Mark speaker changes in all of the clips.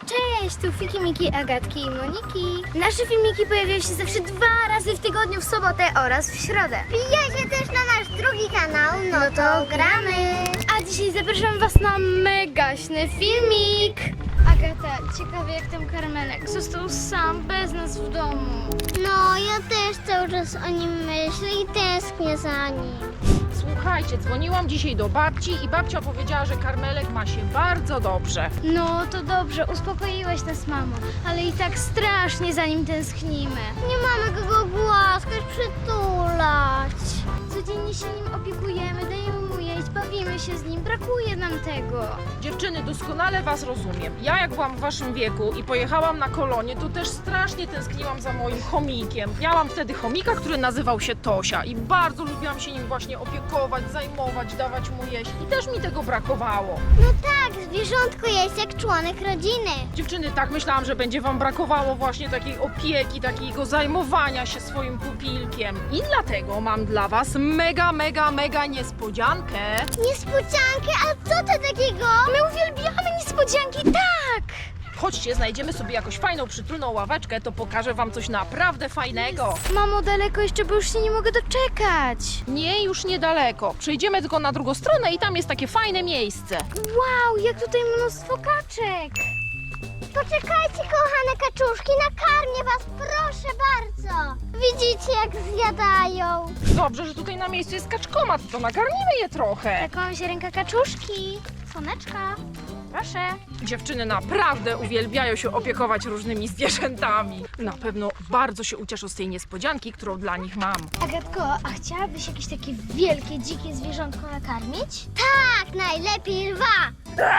Speaker 1: Cześć, tu Fiki, Miki, Agatki i Moniki. Nasze filmiki pojawiają się zawsze 2 razy w tygodniu, w sobotę oraz w środę.
Speaker 2: Wbijajcie też na nasz drugi kanał, no to gramy.
Speaker 1: A dzisiaj zapraszam Was na megaśny filmik. Agata, ciekawie jak ten karmelek został sam, bez nas w domu.
Speaker 2: No, ja też cały czas o nim myślę i tęsknię za nim.
Speaker 3: Słuchajcie, dzwoniłam dzisiaj do babci i babcia powiedziała, że karmelek ma się bardzo dobrze.
Speaker 1: No to dobrze, uspokoiłaś nas, mamo, ale i tak strasznie za nim tęsknimy.
Speaker 2: Nie mamy kogo głaskać, przytulać.
Speaker 1: Codziennie się nim opiekujemy, dajemy mu jeść, bawimy się z nim, brakuje nam tego.
Speaker 3: Dziewczyny, doskonale was rozumiem. Ja jak byłam w waszym wieku i pojechałam na kolonie, to też strasznie tęskniłam za moim chomikiem. Miałam wtedy chomika, który nazywał się Tosia i bardzo lubiłam się nim właśnie opiekować, zajmować, dawać mu jeść i też mi tego brakowało.
Speaker 2: No tak, zwierzątko jest jak członek rodziny.
Speaker 3: Dziewczyny, tak myślałam, że będzie wam brakowało właśnie takiej opieki, takiego zajmowania się swoim pupilkiem. I dlatego mam dla was mega niespodziankę.
Speaker 2: Niespodziankę, a co to takiego?
Speaker 1: My uwielbiamy niespodzianki, tak!
Speaker 3: Chodźcie, znajdziemy sobie jakąś fajną, przytulną ławeczkę, to pokażę wam coś naprawdę fajnego.
Speaker 1: Mamo, daleko jeszcze, bo już się nie mogę doczekać.
Speaker 3: Nie, już niedaleko. Przejdziemy tylko na drugą stronę i tam jest takie fajne miejsce.
Speaker 1: Wow, jak tutaj mnóstwo kaczek.
Speaker 2: Poczekajcie, kochane kaczuszki, nakarmię was, proszę bardzo. Widzicie, jak zjadają?
Speaker 3: Dobrze, że tutaj na miejscu jest kaczkomat, to nakarmimy je trochę.
Speaker 1: Taką się ręka kaczuszki. Słoneczka, proszę.
Speaker 3: Dziewczyny naprawdę uwielbiają się opiekować różnymi zwierzętami. Na pewno bardzo się ucieszą z tej niespodzianki, którą dla nich mam.
Speaker 1: Agatko, a chciałabyś jakieś takie wielkie, dzikie zwierzątko nakarmić?
Speaker 2: Tak, najlepiej lwa.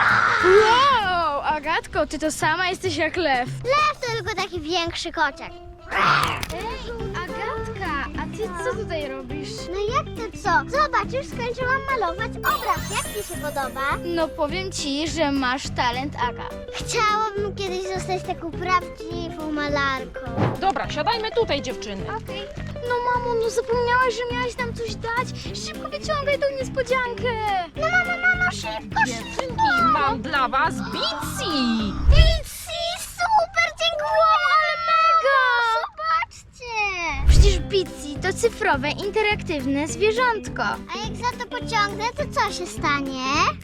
Speaker 1: Wow, Agatko, ty to sama jesteś jak lew.
Speaker 2: Lew to tylko taki większy kociak.
Speaker 1: Ej, Agatka, a ty co tutaj robisz?
Speaker 2: No jak to co? Zobacz, już skończyłam malować obraz. Jak ci się podoba?
Speaker 1: No powiem ci, że masz talent, Aga.
Speaker 2: Chciałabym kiedyś zostać taką prawdziwą malarką.
Speaker 3: Dobra, siadajmy tutaj, dziewczyny.
Speaker 1: Okej. No mamo, no zapomniałaś, że miałaś nam coś dać. Szybko wyciągaj tą niespodziankę.
Speaker 2: No mamo, szybko,
Speaker 3: Dziewczynki, mam dla was Bitsy!
Speaker 2: Bitsy, super, dziękuję, ale mega! Zobaczcie!
Speaker 1: Przecież Bitsy to cyfrowe, interaktywne zwierzątko.
Speaker 2: A jak za to pociągnę, to co się stanie?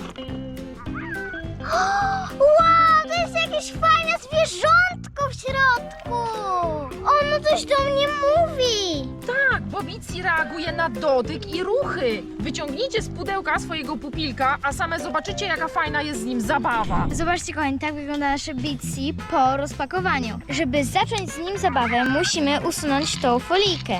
Speaker 2: Wow, to jest jakieś fajne zwierzątko w środku! Ono coś do mnie mówi!
Speaker 3: Tak, bo Bitsy reaguje na dotyk i ruchy. Wyciągnijcie z pudełka swojego pupilka, a same zobaczycie, jaka fajna jest z nim zabawa.
Speaker 1: Zobaczcie, kochani, tak wygląda nasze Bitsy po rozpakowaniu. Żeby zacząć z nim zabawę, musimy usunąć tą folijkę.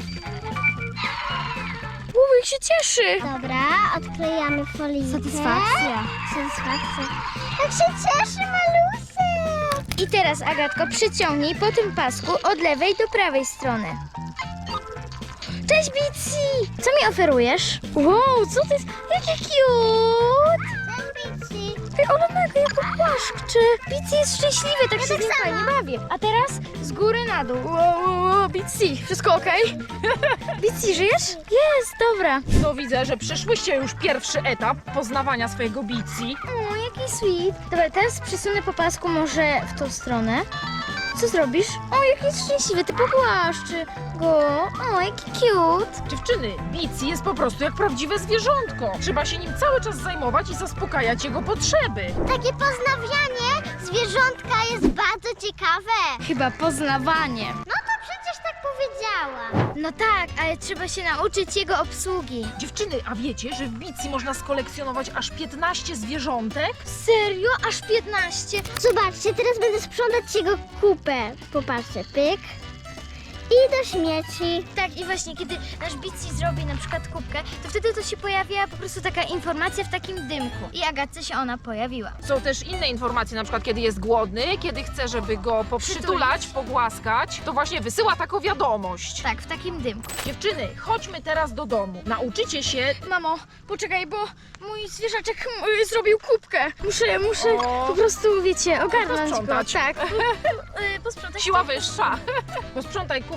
Speaker 1: Jak się cieszy!
Speaker 2: Dobra, odklejamy folię.
Speaker 1: Satysfakcja.
Speaker 2: Jak się cieszy, malusek!
Speaker 1: I teraz, Agatko, przyciągnij po tym pasku od lewej do prawej strony. Cześć, Bitsy! Co mi oferujesz? Wow, co to jest? Jakie cute!
Speaker 2: Cześć, Bitsy.
Speaker 1: Ej, ona mega jak płaszczy. Bitsy jest szczęśliwy, tak się z nim fajnie bawię. A teraz z góry na dół. Wow, Bitsy, wszystko okej? Bitsy, żyjesz? Jest, dobra.
Speaker 3: No widzę, że przeszłyście już pierwszy etap poznawania swojego Bitsy.
Speaker 1: O, jaki sweet. Dobra, teraz przesunę po pasku może w tą stronę. Co zrobisz? O, jaki jest szczęśliwy, ty pogłaszczy go. O, jaki cute.
Speaker 3: Dziewczyny, Bitsy jest po prostu jak prawdziwe zwierzątko. Trzeba się nim cały czas zajmować i zaspokajać jego potrzeby.
Speaker 2: Takie poznawianie zwierzątka jest bardzo ciekawe.
Speaker 1: Chyba poznawanie.
Speaker 2: No to przecież tak powiedziałam.
Speaker 1: No tak, ale trzeba się nauczyć jego obsługi.
Speaker 3: Dziewczyny, a wiecie, że w Bitsy można skolekcjonować aż 15 zwierzątek?
Speaker 1: Serio? Aż 15?
Speaker 2: Zobaczcie, teraz będę sprzątać jego kupę. Popatrzcie, pyk. I do śmieci.
Speaker 1: Tak, i właśnie kiedy nasz Bitsy zrobi na przykład kubkę, to wtedy to się pojawia po prostu taka informacja w takim dymku. I Agatce się ona pojawiła.
Speaker 3: Są też inne informacje, na przykład kiedy jest głodny, kiedy chce, żeby go poprzytulać, pogłaskać, to właśnie wysyła taką wiadomość.
Speaker 1: Tak, w takim dymku.
Speaker 3: Dziewczyny, chodźmy teraz do domu. Nauczycie się...
Speaker 1: Mamo, poczekaj, bo mój zwierzaczek zrobił kubkę. Muszę
Speaker 3: O.
Speaker 1: po prostu, wiecie, ogarnąć go.
Speaker 3: Posprzątać.
Speaker 1: Tak, posprzątać.
Speaker 3: Siła wyższa. Posprzątaj kubkę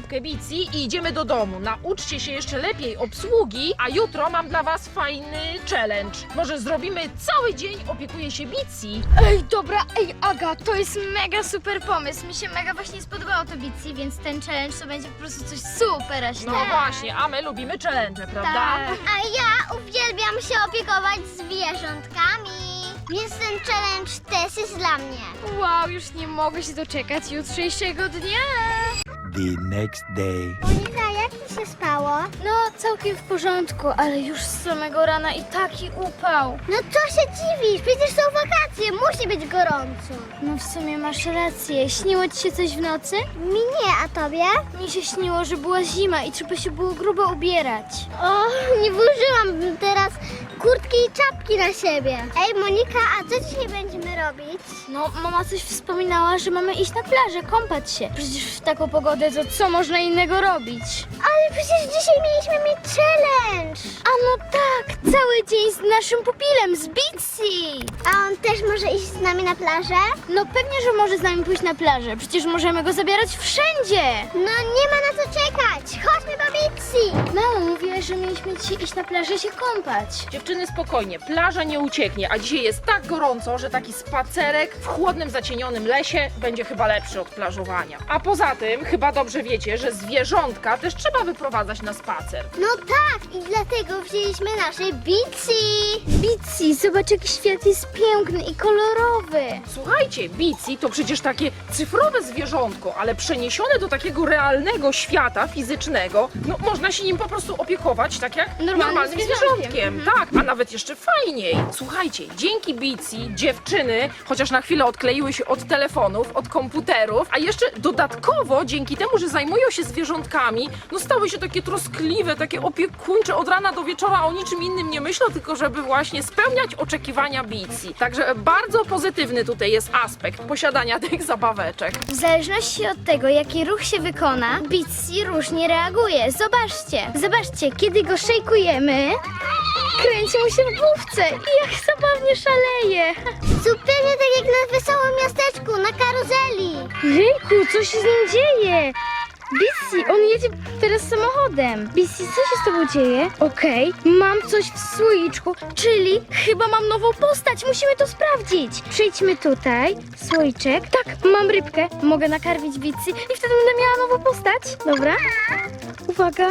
Speaker 3: zupkę Bici i idziemy do domu. Nauczcie się jeszcze lepiej obsługi, a jutro mam dla was fajny challenge. Może zrobimy cały dzień opiekuje się Bici.
Speaker 1: Ej, dobra, Aga, to jest mega super pomysł. Mi się mega właśnie spodobało to Bici, więc ten challenge to będzie po prostu coś super
Speaker 3: No właśnie, a my lubimy challenge, prawda?
Speaker 1: Tak.
Speaker 2: A ja uwielbiam się opiekować zwierzątkami. Więc ten challenge też jest dla mnie.
Speaker 1: Wow, już nie mogę się doczekać jutrzejszego dnia.
Speaker 4: The next day.
Speaker 2: Monika, jak mi się spało?
Speaker 1: No, całkiem w porządku, ale już z samego rana i taki upał.
Speaker 2: No co się dziwisz? Przecież są wakacje, musi być gorąco.
Speaker 1: No w sumie masz rację. Śniło ci się coś w nocy?
Speaker 2: Mi nie, a tobie?
Speaker 1: Mi się śniło, że była zima i trzeba się było grubo ubierać.
Speaker 2: O, nie włożyłam teraz kurtki i czapki na siebie. Ej, Monika, a co dzisiaj będziemy robić?
Speaker 1: No, mama coś wspominała, że mamy iść na plażę, kąpać się. Przecież w taką pogodę to co można innego robić?
Speaker 2: Ale przecież dzisiaj mieliśmy mieć challenge.
Speaker 1: A no tak, cały dzień z naszym pupilem, z Bici.
Speaker 2: A on też może iść z nami na plażę?
Speaker 1: No pewnie, że może z nami pójść na plażę. Przecież możemy go zabierać wszędzie.
Speaker 2: No nie ma na co czekać. Chodźmy do Bici.
Speaker 1: Mamo, mówiłaś, że mieliśmy dzisiaj iść na plażę się kąpać.
Speaker 3: Dziewczyny, spokojnie, plaża nie ucieknie, a dzisiaj jest tak gorąco, że taki spacerek w chłodnym, zacienionym lesie będzie chyba lepszy od plażowania. A poza tym, chyba dobrze wiecie, że zwierzątka też trzeba wyprowadzać na spacer.
Speaker 2: No tak, i dlatego wzięliśmy nasze Bici.
Speaker 1: Bici, zobacz jaki świat jest piękny i kolorowy.
Speaker 3: Słuchajcie, Bici to przecież takie cyfrowe zwierzątko, ale przeniesione do takiego realnego świata fizycznego, no można się nim po prostu opiekować tak jak normalnym zwierzątkiem. Tak, a nawet jeszcze fajniej. Słuchajcie, dzięki Bici dziewczyny chociaż na chwilę odkleiły się od telefonów, od komputerów, a jeszcze dodatkowo dzięki temu, że zajmują się zwierzątkami, no stały się takie troskliwe, takie opiekuńcze od rana do wieczora, o niczym innym nie myślą, tylko żeby właśnie spełniać oczekiwania Bici. Także bardzo pozytywny tutaj jest aspekt posiadania tych zabaweczek.
Speaker 1: W zależności od tego, jaki ruch się wykona, Bici różnie reaguje. Zobaczcie, kiedy go szejkujemy, kręci mu się w główce i jak zabawnie szaleje.
Speaker 2: Zupełnie tak jak na wesołym miasteczku, na karuzeli.
Speaker 1: Ryjku, co się z nim dzieje? Bici, on jedzie teraz samochodem. Bici, co się z tobą dzieje? Okej, mam coś w słoiczku, czyli chyba mam nową postać. Musimy to sprawdzić. Przejdźmy tutaj. Słoiczek. Tak, mam rybkę. Mogę nakarmić Bici i wtedy będę miała nową postać. Dobra. Uwaga.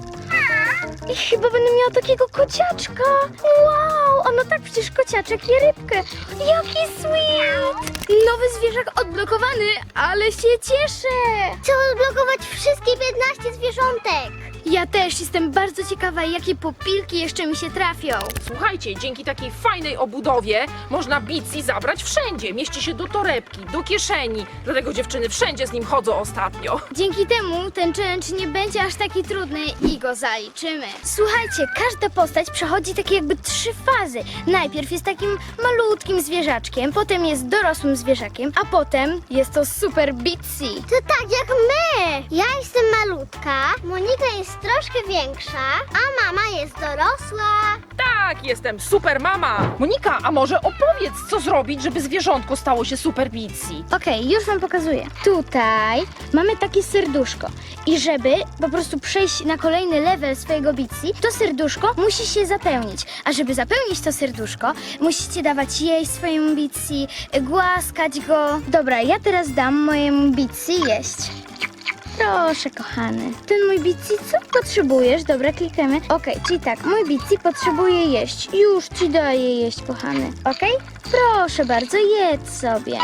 Speaker 1: I chyba będę miała takiego kociaczka. Wow, a no tak, przecież kociaczek je rybkę. Jaki sweet. Nowy zwierzak odblokowany, ale się cieszę.
Speaker 2: Chcę odblokować wszystkie 15 zwierzątek.
Speaker 1: Ja też jestem bardzo ciekawa, jakie popilki jeszcze mi się trafią.
Speaker 3: Słuchajcie, dzięki takiej fajnej obudowie można Bici zabrać wszędzie. Mieści się do torebki, do kieszeni. Dlatego dziewczyny wszędzie z nim chodzą ostatnio.
Speaker 1: Dzięki temu ten challenge nie będzie aż taki trudny i go zaliczymy. Słuchajcie, każda postać przechodzi takie jakby 3 fazy. Najpierw jest takim malutkim zwierzaczkiem, potem jest dorosłym zwierzakiem, a potem jest to super Bici.
Speaker 2: To tak jak my. Ja jestem malutka, Monika jest troszkę większa, a mama jest dorosła.
Speaker 3: Tak, jestem super mama. Monika, a może opowiedz, co zrobić, żeby zwierzątko stało się super Bici?
Speaker 1: Okej, już wam pokazuję. Tutaj mamy takie serduszko i żeby po prostu przejść na kolejny level swojego Bici, to serduszko musi się zapełnić. A żeby zapełnić to serduszko, musicie dawać jej swojemu Bici, głaskać go. Dobra, ja teraz dam mojemu Bici jeść. Proszę, kochany. Ten mój Bici, co potrzebujesz? Dobra, klikamy. Okej, czyli tak, mój Bici potrzebuje jeść. Już ci daję jeść, kochany. Okej? Proszę bardzo, jedz sobie.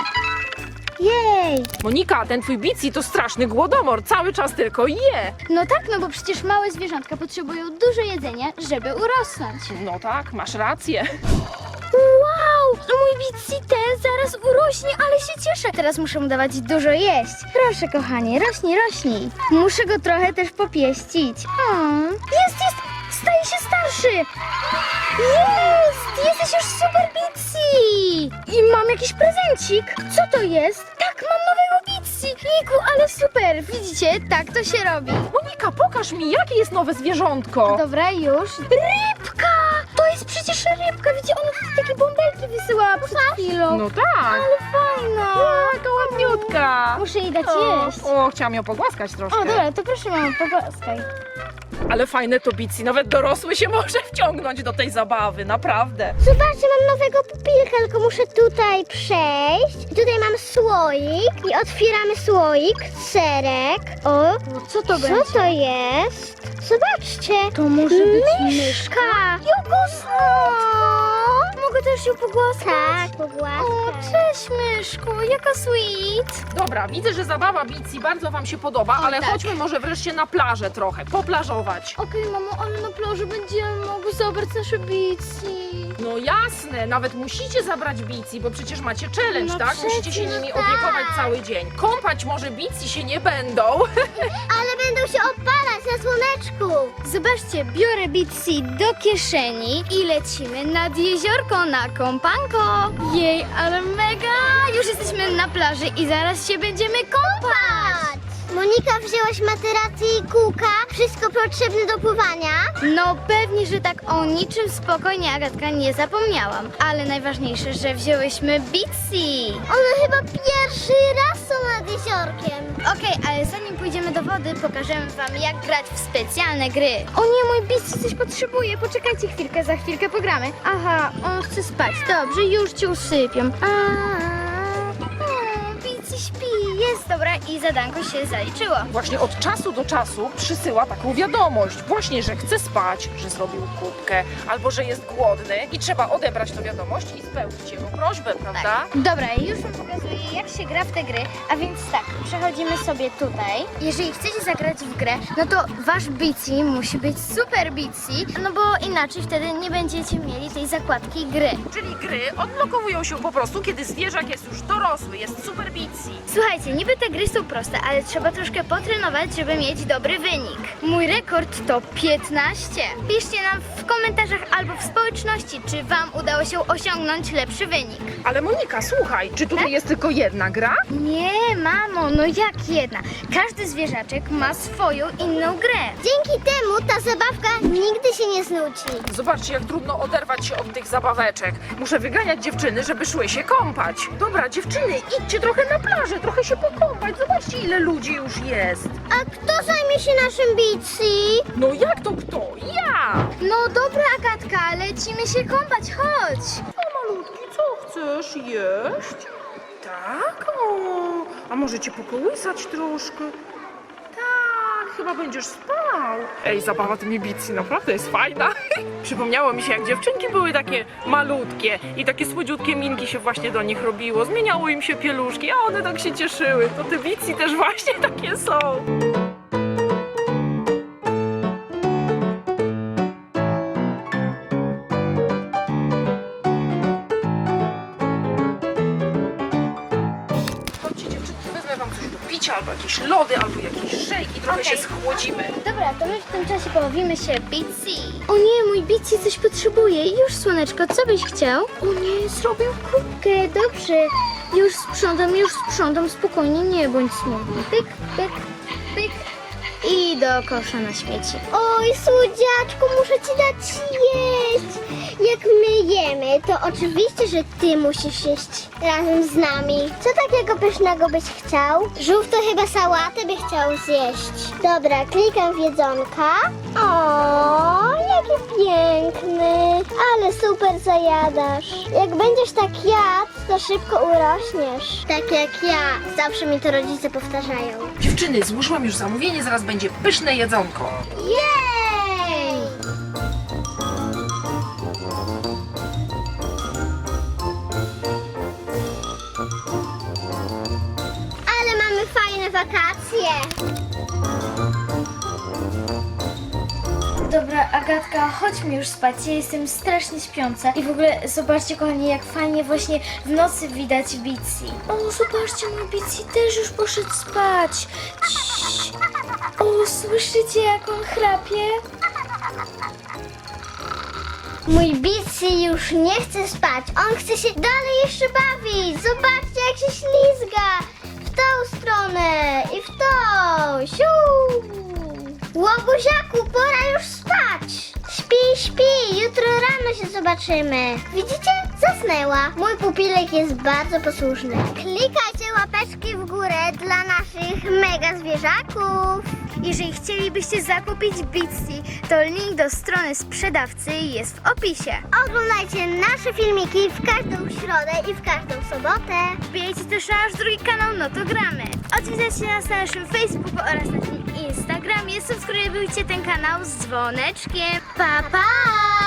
Speaker 1: Jej!
Speaker 3: Monika, ten twój Bici to straszny głodomor, cały czas tylko je.
Speaker 1: No tak, no bo przecież małe zwierzątka potrzebują dużo jedzenia, żeby urosnąć.
Speaker 3: No tak, masz rację.
Speaker 1: Wow! Mój Bici ten zaraz urośnie, ale się cieszę. Teraz muszę mu dawać dużo jeść. Proszę, kochanie, rośnij, rośnij. Muszę go trochę też popieścić. Jest! Staje się starszy! Jest! Jesteś już super Bici! I mam jakiś prezencik. Co to jest? Tak, mam nowego Bici. Jejku, ale super! Widzicie? Tak to się robi.
Speaker 3: Monika, pokaż mi, jakie jest nowe zwierzątko.
Speaker 1: Dobra, już. Rybka! To jest przecież rybka. Widzicie, ona tutaj takie bąbelki wysyłała przed chwilą.
Speaker 3: No tak.
Speaker 1: Ale fajna.
Speaker 3: Jaka ładniutka. Monika!
Speaker 1: Muszę jej dać jeść.
Speaker 3: Chciałam ją pogłaskać troszkę.
Speaker 1: O, dobra, to proszę mamo, pogłaskaj.
Speaker 3: Ale fajne to bici, nawet dorosły się może wciągnąć do tej zabawy, naprawdę.
Speaker 2: Zobaczcie, mam nowego pupilka, tylko muszę tutaj przejść. I tutaj mam słoik i otwieramy słoik, serek. O,
Speaker 1: Co to
Speaker 2: co to jest? Zobaczcie.
Speaker 1: To może być
Speaker 2: myszka.
Speaker 1: Mogę też ją pogłaskać?
Speaker 2: Tak, pogłaskaj.
Speaker 1: O, cześć myszku, jaka sweet.
Speaker 3: Dobra, widzę, że zabawa bici bardzo wam się podoba, ale
Speaker 1: tak.
Speaker 3: chodźmy może wreszcie na plażę trochę, poplażować.
Speaker 1: Okej, mamo, ale na plaży będziemy mogły zabrać nasze bici.
Speaker 3: No jasne, nawet musicie zabrać bici, bo przecież macie challenge,
Speaker 1: No
Speaker 3: tak? Musicie się
Speaker 1: przecież
Speaker 3: nimi
Speaker 2: tak.
Speaker 3: opiekować cały dzień. Kąpać może bici się nie będą.
Speaker 2: Ale będą się opalać na słoneczku.
Speaker 1: Zobaczcie, biorę Bitsy do kieszeni i lecimy nad jeziorko na kąpanko. Jej, ale mega! Już jesteśmy na plaży i zaraz się będziemy kąpać.
Speaker 2: Monika, wzięłaś materację i kółka, wszystko potrzebne do pływania.
Speaker 1: No pewnie, że tak, o niczym spokojnie, Agatka, nie zapomniałam. Ale najważniejsze, że wzięłyśmy Bitsy.
Speaker 2: One chyba pierwszy raz są nad jeziorkiem.
Speaker 1: Okej, ale zanim pójdziemy do wody, pokażemy wam, jak grać w specjalne gry. O nie, mój Bitsy coś potrzebuje. Poczekajcie chwilkę, za chwilkę pogramy. Aha, on chce spać. Dobrze, już cię usypiam. Bitsy śpi. Jest, dobra, i zadanko się zaliczyło.
Speaker 3: Właśnie od czasu do czasu przysyła taką wiadomość. Właśnie, że chce spać, że zrobił kubkę, albo że jest głodny i trzeba odebrać tę wiadomość i spełnić jego prośbę, prawda?
Speaker 1: Tak. Dobra, już wam pokazuję, jak się gra w te gry. A więc tak, przechodzimy sobie tutaj. Jeżeli chcecie zagrać w grę, no to wasz Bitsy musi być super Bitsy, no bo inaczej wtedy nie będziecie mieli tej zakładki gry.
Speaker 3: Czyli gry odblokowują się po prostu, kiedy zwierzak jest już dorosły, jest super bici.
Speaker 1: Słuchajcie, niby te gry są proste, ale trzeba troszkę potrenować, żeby mieć dobry wynik. Mój rekord to 15. Piszcie nam w komentarzach albo w społeczności, czy wam udało się osiągnąć lepszy wynik.
Speaker 3: Ale Monika, słuchaj, czy tutaj jest tylko jedna gra?
Speaker 1: Nie, mamo, no jak jedna? Każdy zwierzaczek ma swoją inną grę.
Speaker 2: Dzięki temu ta zabawka nigdy się nie znudzi.
Speaker 3: Zobaczcie, jak trudno oderwać się od tych zabaweczek. Muszę wyganiać dziewczyny, żeby szły się kąpać. Dobra, dziewczyny, idźcie trochę na plażę, trochę się pokąpać. Zobaczcie, ile ludzi już jest.
Speaker 2: A kto zajmie się naszym Bitsy?
Speaker 3: No jak to kto? Ja!
Speaker 1: No dobra, Agatka, lecimy się kąpać, chodź.
Speaker 3: O malutki, co chcesz jeść? Tak? O, a może cię pokołysać troszkę? Tak, chyba będziesz spał. Ej, zabawa tymi Bitsy naprawdę jest fajna. Przypomniało mi się, jak dziewczynki były takie malutkie i takie słodziutkie minki się właśnie do nich robiło. Zmieniało im się pieluszki, a one tak się cieszyły. To te Bitsy też właśnie takie są. Chodźcie dziewczynki, wezmę wam coś do picia, albo jakieś lody, albo jakieś szejki, trochę się schłodzimy.
Speaker 1: Dobra, to my w tym czasie pobawimy się Bitsy. O nie, mój Bitsy coś potrzebuje. Już, słoneczko, co byś chciał? O nie, zrobił kubkę, dobrze. Już sprzątam, spokojnie, nie bądź smutny. Pyk, pyk, pyk. I do kosza na śmieci.
Speaker 2: Oj, słodziaczku, muszę ci dać jeść. Jak my jemy, to oczywiście, że ty musisz jeść razem z nami. Co takiego pysznego byś chciał? Żółw to chyba sałatę by chciał zjeść. Dobra, klikam w jedzonka. O, jaki piękny. Ale super zajadasz. Jak będziesz tak jadł, to szybko urośniesz. Tak jak ja. Zawsze mi to rodzice powtarzają.
Speaker 3: Dziewczyny, złożyłam już zamówienie, zaraz będzie pyszne jedzonko.
Speaker 2: Jej! Ale mamy fajne wakacje.
Speaker 1: Dobra, Agatka, chodźmy już spać. Ja jestem strasznie śpiąca. I w ogóle zobaczcie, kochani, jak fajnie właśnie w nocy widać Bitsy. O, zobaczcie, mój Bitsy też już poszedł spać. Ciii. O, słyszycie, jak on chrapie?
Speaker 2: Mój Bitsy już nie chce spać. On chce się dalej jeszcze bawić. Zobaczcie, jak się ślizga. W tą stronę i w tą. Siu! Łobuziaku, pora już spać. Śpi. Jutro rano się zobaczymy. Widzicie? Zasnęła. Mój pupilek jest bardzo posłuszny. Klikajcie łapeczkę Łapeczki w górę dla naszych mega zwierzaków.
Speaker 1: Jeżeli chcielibyście zakupić Bitsy, to link do strony sprzedawcy jest w opisie.
Speaker 2: Oglądajcie nasze filmiki w każdą środę i w każdą sobotę.
Speaker 1: Wbijajcie też na nasz drugi kanał No to Gramy. Odwiedzajcie nas na naszym Facebooku oraz naszym Instagramie. Subskrybujcie ten kanał z dzwoneczkiem.
Speaker 2: Pa, pa!